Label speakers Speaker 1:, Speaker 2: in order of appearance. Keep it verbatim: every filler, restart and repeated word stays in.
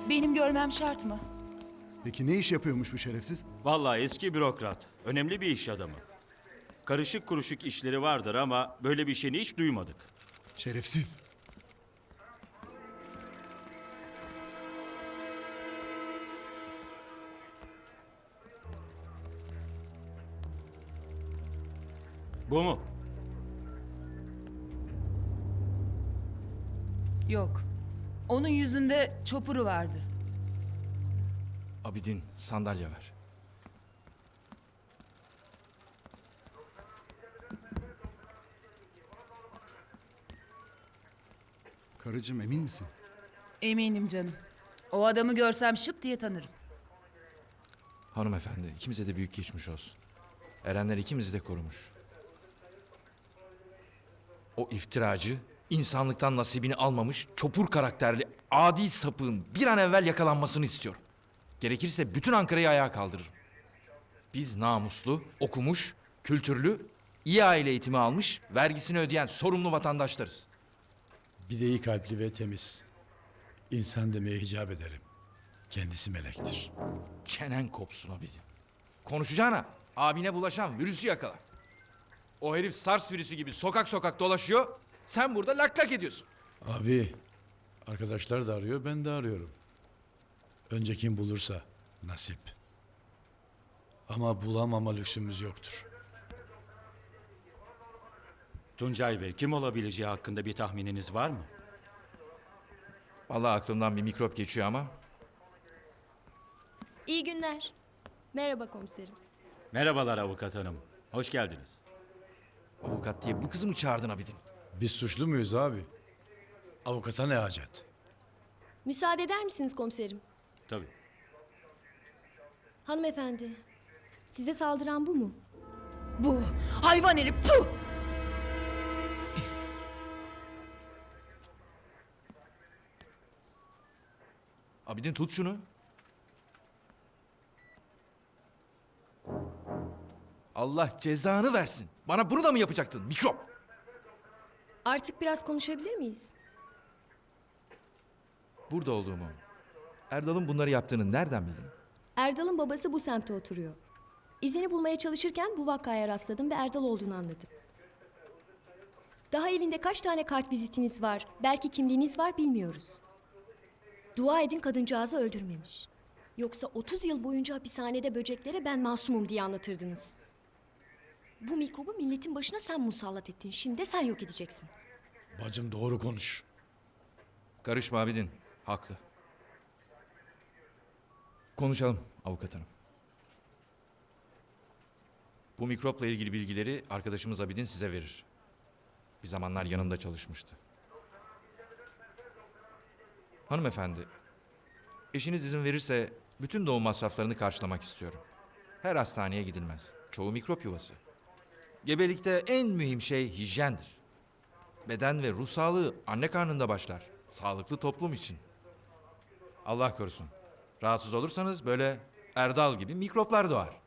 Speaker 1: Benim görmem şart mı?
Speaker 2: Peki ne iş yapıyormuş bu şerefsiz?
Speaker 3: Vallahi eski bürokrat. Önemli bir iş adamı. Karışık kuruşuk işleri vardır ama böyle bir şeyini hiç duymadık.
Speaker 2: Şerefsiz.
Speaker 3: Bu mu?
Speaker 1: Yok. Onun yüzünde çopuru vardı.
Speaker 4: Abidin, sandalye ver.
Speaker 2: Karıcığım emin misin?
Speaker 1: Eminim canım. O adamı görsem şıp diye tanırım.
Speaker 4: Hanımefendi, ikimize de büyük geçmiş olsun. Erenler ikimizi de korumuş. O iftiracı, insanlıktan nasibini almamış, çopur karakterli, adi sapığın bir an evvel yakalanmasını istiyorum. Gerekirse bütün Ankara'yı ayağa kaldırırım. Biz namuslu, okumuş, kültürlü, iyi aile eğitimi almış, vergisini ödeyen sorumlu vatandaşlarız.
Speaker 5: Bir de iyi kalpli ve temiz. İnsan demeye hicap ederim. Kendisi melektir.
Speaker 4: Çenen kopsun Abidin. Konuşacağına abine bulaşan virüsü yakala. O herif SARS virüsü gibi sokak sokak dolaşıyor. Sen burada lak lak ediyorsun.
Speaker 5: Abi, arkadaşlar da arıyor, ben de arıyorum. Önce kim bulursa nasip. Ama bulamama lüksümüz yoktur.
Speaker 3: Tuncay Bey, kim olabileceği hakkında bir tahmininiz var mı?
Speaker 4: Vallahi aklımdan bir mikrop geçiyor ama.
Speaker 6: İyi günler. Merhaba komiserim.
Speaker 3: Merhabalar avukat hanım. Hoş geldiniz.
Speaker 4: Avukat diye bu kızı mı çağırdın Abidin?
Speaker 5: Biz suçlu muyuz abi? Avukata ne hacet?
Speaker 6: Müsaade eder misiniz komiserim?
Speaker 3: Tabii.
Speaker 6: Hanımefendi, size saldıran bu mu?
Speaker 1: Bu hayvan herif puh!
Speaker 4: Abidin tut şunu. Allah cezanı versin. Bana bunu da mı yapacaktın mikrop?
Speaker 6: Artık biraz konuşabilir miyiz?
Speaker 4: Burada olduğumu, Erdal'ın bunları yaptığını nereden bildin?
Speaker 6: Erdal'ın babası bu semtte oturuyor. İzini bulmaya çalışırken bu vakaya rastladım ve Erdal olduğunu anladım. Daha elinde kaç tane kart vizitiniz var, belki kimliğiniz var bilmiyoruz. Dua edin kadıncağızı öldürmemiş. Yoksa otuz yıl boyunca hapishanede böceklere ben masumum diye anlatırdınız. Bu mikrobu milletin başına sen musallat ettin. Şimdi de sen yok edeceksin.
Speaker 5: Bacım doğru konuş.
Speaker 4: Karışma Abidin. Haklı. Konuşalım avukat hanım. Bu mikropla ilgili bilgileri arkadaşımız Abidin size verir. Bir zamanlar yanımda çalışmıştı. Hanımefendi, eşiniz izin verirse bütün doğum masraflarını karşılamak istiyorum. Her hastaneye gidilmez. Çoğu mikrop yuvası. Gebelikte en mühim şey hijyendir. Beden ve ruh sağlığı anne karnında başlar. Sağlıklı toplum için. Allah korusun. Rahatsız olursanız böyle Erdal gibi mikroplar doğar.